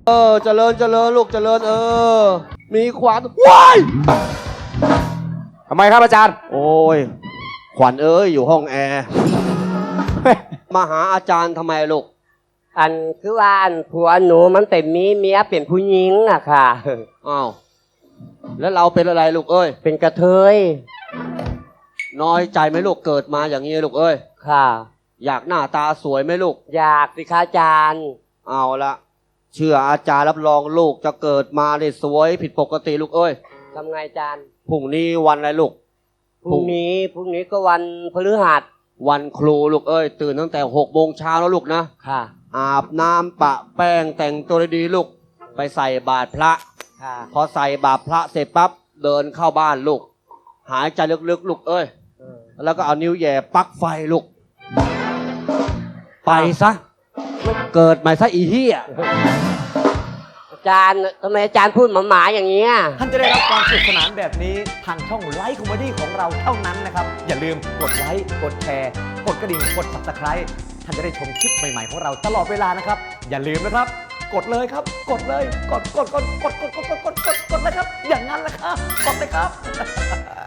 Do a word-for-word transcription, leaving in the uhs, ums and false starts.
เออเจริญเจริญลูกเจริญเออมีขวัญว้ายทำไมครับอาจารย์โอ้ยขวัญเอ้ยอยู่ห้องแอร์ มาหาอาจารย์ทำไมลูกอันคือว่าอันผัวหนูมันเป็นมีเมียเป็นผู้หญิงอะค่ะอ้าวแล้วเราเป็นอะไรลูกเอ้ยเป็นกระเทยน้อยใจไหมลูกเกิดมาอย่างนี้ลูกเอ้ยค่ะอยากหน้าตาสวยไหมลูกอยากสิคะอาจารย์เอาละเชื่ออาจารย์รับรองลูกจะเกิดมาได้สวยผิดปกติลูกเอ้ยทำไงอาจารย์พรุ่งนี้วันอะไรลูกพรุ่งนี้พรุ่งนี้ก็วันพฤหัสวันครูลูกเอ้ยตื่นตั้งแต่หกโมงเช้าแล้วลูกนะค่ะอาบน้ำปะแป้งแต่งตัวดีๆลูกไปใส่บาตรพระค่ะพอใส่บาตรพระเสร็จปั๊บเดินเข้าบ้านลูกหายใจลึกๆลูกเอ้ยเออแล้วก็เอานิ้วแหย่ปลั๊กไฟลูกไปซะเกิดใหม่ซะอีเหี้ยอาจารย์ทำไมอาจารย์พูดหมาๆอย่างเงี้ยท่านจะได้รับความสนุกสนานแบบนี้ทางช่องไลฟ์คอมเมดี้ของเราเท่านั้นนะครับ อย่าลืมกดไลค์กดแชร์กดกระดิ่งกด ซับสไครบ์ ท่านจะได้ชมคลิปใหม่ๆของเราตลอดเวลานะครับ อย่าลืมนะครับ กดเลยครับ กดเลยกดกดกดกดกดกดกดกดกดกดเลยครับ อย่างนั้นแหละครับกดเลยครับ